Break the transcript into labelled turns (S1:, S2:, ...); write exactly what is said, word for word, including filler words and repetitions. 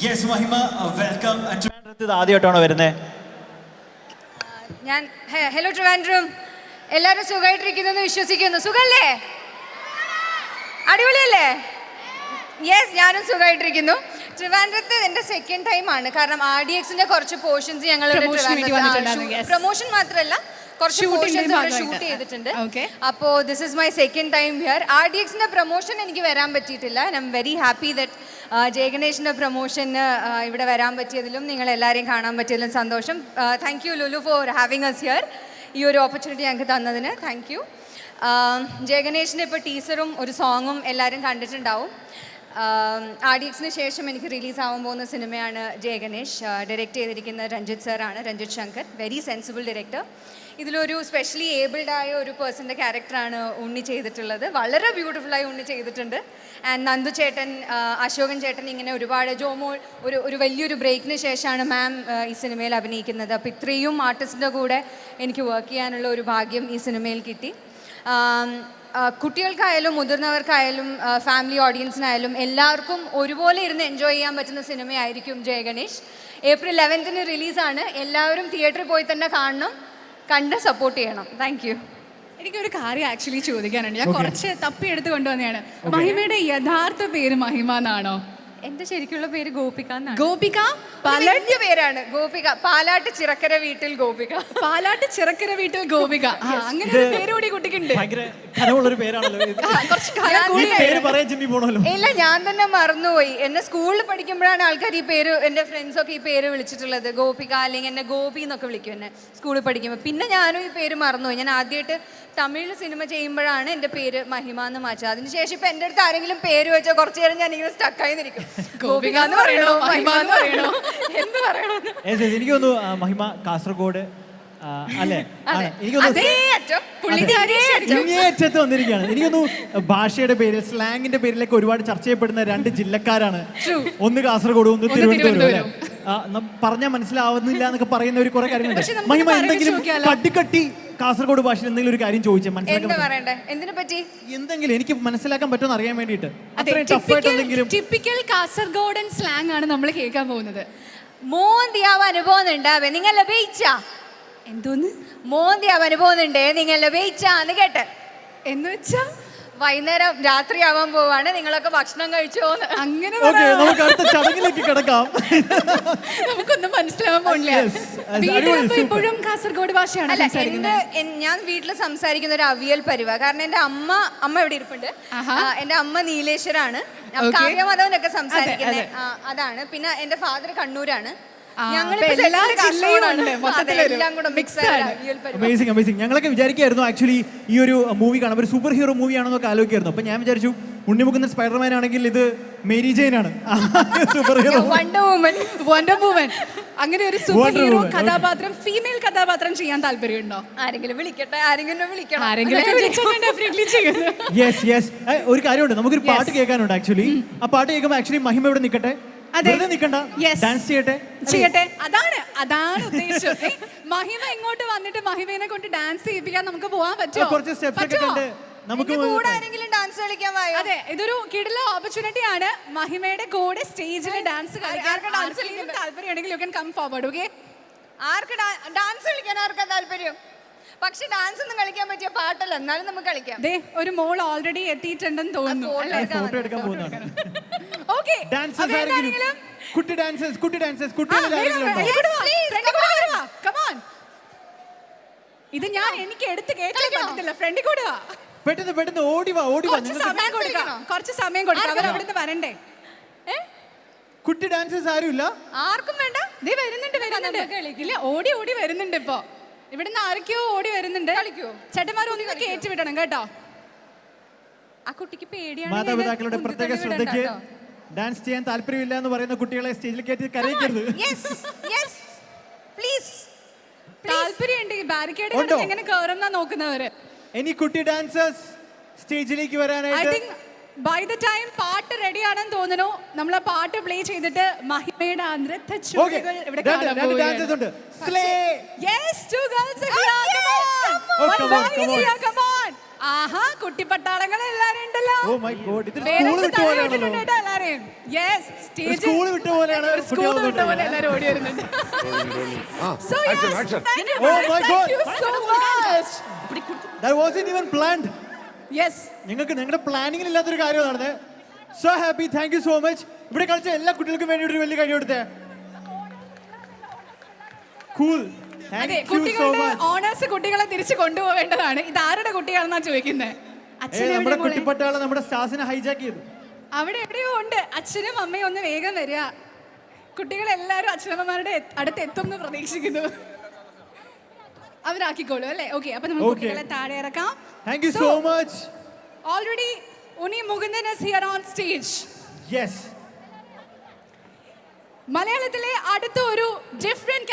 S1: Yes മഹിമ welcome. ആദ്യമായിട്ടാണോ വരുന്നത്?
S2: ഞാൻ ഹലോ ട്രിവാൻഡ്രം, എല്ലാവരും സുഖമായിട്ടിരിക്കുന്നു വിശ്വസിക്കുന്നു. സുഖല്ലേ? അടിപൊളിയല്ലേ? യെസ്, ഞാനും സുഖമായിട്ടിരിക്കുന്നു. ട്രിവാൻഡ്രത്ത് എൻ്റെ സെക്കൻഡ് ടൈം ആണ്. കാരണം ആർ ഡി എക്സിന്റെ കുറച്ച് പോർഷൻസ് ഞങ്ങൾ പ്രൊമോഷൻ മാത്രമല്ല കുറച്ച് പോർഷൻസ് ഷൂട്ട് ചെയ്തിട്ടുണ്ട്. അപ്പോൾ this is my second time here. R D എക്സിന്റെ പ്രൊമോഷൻ എനിക്ക് വരാൻ പറ്റിയിട്ടില്ല. I'm very happy that ജയഗണേഷിന്റെ പ്രൊമോഷന് ഇവിടെ വരാൻ പറ്റിയതിലും നിങ്ങൾ എല്ലാവരെയും കാണാൻ പറ്റിയതിലും സന്തോഷം. Thank you Lulu for having us here. ഈ ഒരു ഓപ്പർച്യൂണിറ്റി ഞങ്ങൾക്ക് തന്നതിന് താങ്ക് യു. ജയഗണേഷിൻ്റെ ഇപ്പോൾ ടീസറും ഒരു സോങ്ങും എല്ലാവരും കണ്ടിട്ടുണ്ടാവും. ആർ ഡി എക്സിന് ശേഷം എനിക്ക് റിലീസാവാൻ പോകുന്ന സിനിമയാണ് ജയഗണേഷ്. ഡയറക്റ്റ് ചെയ്തിരിക്കുന്ന രഞ്ജിത്ത് സാറാണ്, Ranjith Shankar. Very sensible director. ഇതിലൊരു സ്പെഷ്യലി ഏബിൾഡ് ആയ ഒരു പേഴ്സൻ്റെ ക്യാരക്ടറാണ് ഉണ്ണി ചെയ്തിട്ടുള്ളത്. വളരെ ബ്യൂട്ടിഫുള്ളായി ഉണ്ണി ചെയ്തിട്ടുണ്ട്. ആൻഡ് നന്ദു ചേട്ടൻ, അശോകൻ ചേട്ടൻ, ഇങ്ങനെ ഒരുപാട് ജോമോൾ ഒരു ഒരു വലിയൊരു ബ്രേക്കിന് ശേഷമാണ് മാം ഈ സിനിമയിൽ അഭിനയിക്കുന്നത്. അപ്പോൾ ഇത്രയും ആർട്ടിസ്റ്റിൻ്റെ കൂടെ എനിക്ക് വർക്ക് ചെയ്യാനുള്ള ഒരു ഭാഗ്യം ഈ സിനിമയിൽ കിട്ടി. കുട്ടികൾക്കായാലും മുതിർന്നവർക്കായാലും ഫാമിലി ഓഡിയൻസിനായാലും എല്ലാവർക്കും ഒരുപോലെ ഇരുന്ന് എൻജോയ് ചെയ്യാൻ പറ്റുന്ന സിനിമയായിരിക്കും ജയഗണേഷ്. ഏപ്രിൽ ലെവൻത്തിന് റിലീസാണ്. എല്ലാവരും തിയേറ്ററിൽ പോയി തന്നെ കാണണം, കണ്ട് സപ്പോർട്ട് ചെയ്യണം. Thank you.
S3: എനിക്കൊരു കാര്യം ആക്ച്വലി ചോദിക്കാനുണ്ട്. ഞാൻ കുറച്ച് തപ്പിയെടുത്ത് കൊണ്ടുവന്നതാണ്. മഹിമയുടെ യഥാർത്ഥ പേര് മഹിമ എന്നാണോ?
S2: എന്റെ ശരിക്കുള്ള പേര് ഗോപിക എന്നാണ്.
S3: ഗോപിക
S2: വലിയ പേരാണ്. ഗോപിക, പാലാട്ട് ചിറക്കര വീട്ടിൽ ഗോപിക.
S3: പാലാട്ട് ചിറക്കര വീട്ടിൽ ഗോപിക, അങ്ങനെ ഒരു പേര് കൂടി കുട്ടിക്കുണ്ട്.
S2: ഇല്ല, ഞാൻ തന്നെ മറന്നുപോയി. എന്നെ സ്കൂളിൽ പഠിക്കുമ്പോഴാണ് ആൾക്കാർ ഈ പേര്, എൻ്റെ ഫ്രണ്ട്സൊക്കെ ഈ പേര് വിളിച്ചിട്ടുള്ളത്. ഗോപിക, അല്ലെങ്കിൽ എന്നെ ഗോപി എന്നൊക്കെ വിളിക്കും എന്നെ സ്കൂളിൽ പഠിക്കുമ്പോൾ. പിന്നെ ഞാനും ഈ പേര് മറന്നുപോയി. ഞാൻ ആദ്യമായിട്ട് തമിഴിൽ സിനിമ ചെയ്യുമ്പോഴാണ് എൻ്റെ പേര് മഹിമ എന്ന് മാറ്റുക. അതിനുശേഷം ഇപ്പം എൻ്റെ അടുത്ത് ആരെങ്കിലും പേര് വെച്ചാൽ കുറച്ചു നേരം ഞാൻ ഇങ്ങനെ സ്റ്റക്കായി നിൽക്കും. ഗോപിക എന്ന് പറയണോ, മഹിമ എന്ന് പറയണോ, എന്ത് പറയണോ?
S1: എനിക്ക് തോന്നുന്നു മഹിമ കാസർഗോഡ് അല്ലേ? ഇങ്ങേയറ്റത്ത് വന്നിരിക്കുകയാണ്. എനിക്കൊന്നു ഭാഷയുടെ പേരിൽ, സ്ലാങ്ങിന്റെ പേരിലൊക്കെ ഒരുപാട് ചർച്ച ചെയ്യപ്പെടുന്ന രണ്ട് ജില്ലക്കാരാണ്. ഒന്ന് കാസർഗോഡ്, ഒന്ന് തിരുവനന്തപുരം. പറഞ്ഞാൽ മനസ്സിലാവുന്നില്ല എന്നൊക്കെ പറയുന്ന ഒരു കുറെ കാര്യങ്ങളുണ്ട്. മഹിമ എന്തെങ്കിലും കട്ടിക്കട്ടി കാസർഗോഡ് ഭാഷയിൽ എന്തെങ്കിലും ഒരു കാര്യം ചോദിച്ചാൽ എന്തെങ്കിലും എനിക്ക് മനസ്സിലാക്കാൻ പറ്റുമെന്ന് അറിയാൻ വേണ്ടിയിട്ട്
S3: ടിപ്പിക്കൽ കാസർഗോഡൻ സ്ലാങ് ആണ് നമ്മൾ കേൾക്കാൻ പോകുന്നത്.
S2: മോന്തിയാവാൻ അനുഭവം ഉണ്ടാവേ നിങ്ങൾ ലഭിച്ച
S3: എന്തോന്ന്
S2: മോന്തിയാവാൻ അനുഭവമുണ്ടേ നിങ്ങൾ ലഭിച്ചാന്ന് കേട്ട്
S3: എന്ന് വെച്ചാ
S2: വൈകുന്നേരം രാത്രിയാവാൻ പോവാണ്, നിങ്ങളൊക്കെ ഭക്ഷണം കഴിച്ചോന്ന്.
S3: അങ്ങനെ
S1: നമുക്ക് അടുത്ത ചടങ്ങിലേക്ക് കിടക്കാം.
S3: നമുക്കൊന്നും മനസ്സിലാവാൻ പോണില്ല. ഇപ്പോഴും കാസർഗോഡ് ഭാഷയാണ്
S2: ഞാൻ വീട്ടിൽ സംസാരിക്കുന്ന ഒരു അവിയൽ പരിവ. കാരണം എന്റെ അമ്മ അമ്മ ഇവിടെ ഇരിപ്പുണ്ട്. എന്റെ അമ്മ നീലേശ്വരാണ്. കാവ്യമധവനൊക്കെ സംസാരിക്കുന്നത് അതാണ്. പിന്നെ എന്റെ ഫാദർ കണ്ണൂരാണ്.
S1: ഞങ്ങളൊക്കെ വിചാരിക്കായിരുന്നു ആക്ച്വലി ഈ ഒരു മൂവി കാണാൻ ഒരു സൂപ്പർ ഹീറോ മൂവി ആണെന്നൊക്കെ ആലോചിക്കായിരുന്നു. അപ്പൊ ഞാൻ വിചാരിച്ചു ഉണ്ണിമുകുന്ദൻ സ്പൈഡർമാൻ ആണെങ്കിൽ ഇത് മേരി ജെയിൻ ആണ്, super hero
S2: wonder woman.
S3: Wonder woman അങ്ങനെ ഒരു സൂപ്പർ ഹീറോ കഥാപാത്രം, ഫീമെയിൽ കഥാപാത്രം ചെയ്യാൻ താല്പര്യമുണ്ടോ?
S2: ആരെങ്കിലും വിളിക്കട്ടെ, ആരെങ്കിലും വിളിക്കണം,
S3: ആരെങ്കിലും
S1: യെസ് യെസ്. ഒരു കാര്യമുണ്ട്, നമുക്കൊരു പാട്ട് കേൾക്കാനുണ്ട് ആക്ച്വലി. ആ പാട്ട് കേൾക്കുമ്പോൾ ആക്ച്വലി മഹിമ ഇവിടെ നിൽക്കട്ടെ, ഡാൻസ് ചെയ്യട്ടെ
S3: ചെയ്യട്ടെ അതാണ് അതാണ് ഉദ്ദേശം. മഹിമ ഇങ്ങോട്ട് വന്നിട്ട് മഹിമേനെ കൊണ്ട് ഡാൻസ് ചെയ്യിപ്പിക്കാൻ നമുക്ക് പോകാൻ പറ്റുമോ?
S1: കുറച്ച് സ്റ്റെപ്സ് ഒക്കെ കണ്ട് നമുക്ക്
S2: ഡാൻസ് കളിക്കാൻ.
S3: അതെ, ഇതൊരു കിടില ഓപ്പർച്യൂണിറ്റി ആണ്. മഹിമയുടെ കൂടെ സ്റ്റേജിൽ ഡാൻസ് കളിക്കാൻ താല്പര്യമുണ്ടെങ്കിൽ you can come forward. Okay,
S2: ആർക്ക് ഡാൻസ് കളിക്കാൻ ആർക്കാ താല്പര്യം? പക്ഷെ ഡാൻസ് ഒന്നും കളിക്കാൻ പറ്റിയ പാട്ടല്ല, എന്നാലും നമുക്ക് കളിക്കാം.
S3: ദേ ഒരു മോൾ ഓൾറെഡി എത്തിയിട്ടുണ്ടെന്ന് തോന്നുന്നു.
S1: ഫോട്ടോ എടുക്കാൻ പോകുന്നതാണ്.
S3: ഓക്കേ,
S1: ഡാൻസേഴ്സ് ആരെങ്കിലും കുട്ടി ഡാൻസേഴ്സ് കുട്ടി ഡാൻസേഴ്സ് കുട്ടികൾ ആരെങ്കിലും ഉണ്ടോ?
S3: Come on. ഇത് ഞാൻ എനിക്ക് എടുത്ത് കേൾക്കാൻ പറ്റത്തില്ല. ഫ്രണ്ടിൽ കൂടെ വാ,
S1: പെട്ടെന്ന് പെട്ടെന്ന് ഓടി വാ ഓടി വാ.
S3: സമയം കൊടുക്കാം, കുറച്ച് സമയം കൊടുക്കാം. അവർ അവിടുന്ന് വരണ്ടേ?
S1: കുട്ടി ഡാൻസേഴ്സ് ആരും ഇല്ല?
S2: ആർക്കും വേണ്ട.
S3: ദേ വരുന്നുണ്ട് വരുന്നുണ്ട്. ഇല്ല, ഓടി ഓടി വരുന്നുണ്ട്. ഇപ്പൊ ഇവിടുന്ന് ആരൊക്കെയോ ഓടി വരുന്നുണ്ട്. കളിക്കോ ചേട്ടന്മാർ ഒന്ന് കയറ്റി വിടണം കേട്ടോ.
S2: ആ കുട്ടിക്ക് പേടിയാണ്.
S1: മാതാപിതാക്കളുടെ പ്രത്യേക ശ്രദ്ധയ്ക്ക് ഡാൻസ് ചെയ്യാൻ താല്പര്യമില്ല എന്ന് പറയുന്ന കുട്ടികളെ സ്റ്റേജിൽ കയറ്റി കരയിക്കരുത്.
S3: താല്പര്യമുണ്ടെങ്കിൽ ബാരിക്കേഡ് എങ്ങനെ കയറുന്ന നോക്കുന്നവര്.
S1: ഇനി കുട്ടി ഡാൻസേഴ്സ് സ്റ്റേജിലേക്ക് വരാനായിട്ട്
S3: ബൈ ദ ടൈം പാട്ട് റെഡി ആണെന്ന് തോന്നുന്നു. നമ്മൾ ആ പാട്ട് പ്ലേ ചെയ്തിട്ട് മഹിമയുടെ നൃത്ത ചുവടുകൾ ഇവിടെ കാണാൻ പോവുകയാണ്. Yes, two girls are here. Come on. One boy is here. Come on. ആഹാ കുട്ടിപ്പട്ടാളങ്ങൾ എല്ലാരും ഉണ്ടല്ലോ.
S1: ഓ മൈ ഗോഡ്, ഇത്
S3: പേരൻസ്
S1: സ്കൂൾ വിട്ട
S3: തല
S1: പോലെയാണല്ലോ.
S3: ഇട്ടിട്ടുണ്ട് കേട്ടോ എല്ലാരെയും. Yes, stage-
S1: സ്കൂൾ വിട്ട പോലെയാണ്
S3: ഒരു സ്കൂൾ
S1: കുട്ടികൾ
S3: വിട്ട പോലെ എല്ലാരും ഓടി വരുന്നുണ്ട്. So yes,
S4: Action, action.
S3: thank you,
S1: Oh my
S3: thank
S1: God.
S3: you so much.
S1: That wasn't even planned.
S3: Yes.
S1: നിങ്ങൾക്ക് നിങ്ങളുടെ പ്ലാനിങ്ങിൽ ഇല്ലാത്തൊരു കാര്യം നടന്നത്. So happy, thank you so much. ഇവിടെ കളിച്ച എല്ലാ കുട്ടികൾക്കും വേണ്ടി ഒരു വലിയ കൈ കൊടുത്തേ. കൂൾ,
S3: അതെ,
S1: താങ്ക് യു സോ
S3: കുട്ടികളുടെ
S1: മച്ച്.
S3: ഓണേഴ്സ് കുട്ടികളെ തിരിച്ചു കൊണ്ടുപോവേണ്ടതാണ്. ഇത് ആരുടെ കുട്ടിയാണെന്നാ ചോദിക്കുന്നത്. അച്ഛനെ
S1: നമ്മുടെ
S3: എവിടെ മോളെ?
S1: കുട്ടിപ്പട്ടാളെ നമ്മുടെ സ്റ്റാഫിനെ ഹൈജാക്ക് ചെയ്തു.
S3: അവിടെ എവിടെയോ ഉണ്ട്. അച്ഛനും അമ്മയും ഒന്ന് വേഗം വരിക. കുട്ടികളെല്ലാരും അച്ഛനമ്മമാരുടെ എ- അടുത്ത് എത്തും എന്ന് പ്രതീക്ഷിക്കുന്നു. അവരാക്കിക്കോളൂ അല്ലേ? ഓക്കെ, അപ്പൊ നമുക്ക്
S1: Okay.
S3: കുട്ടികളെ താഴെ ഇറക്കാം.
S1: Thank you so much.
S3: Already Unni Mukundan is here on stage.
S1: Yes.
S3: മലയാളത്തിലെ അടുത്ത ഒരു ഡിഫറെന്റ്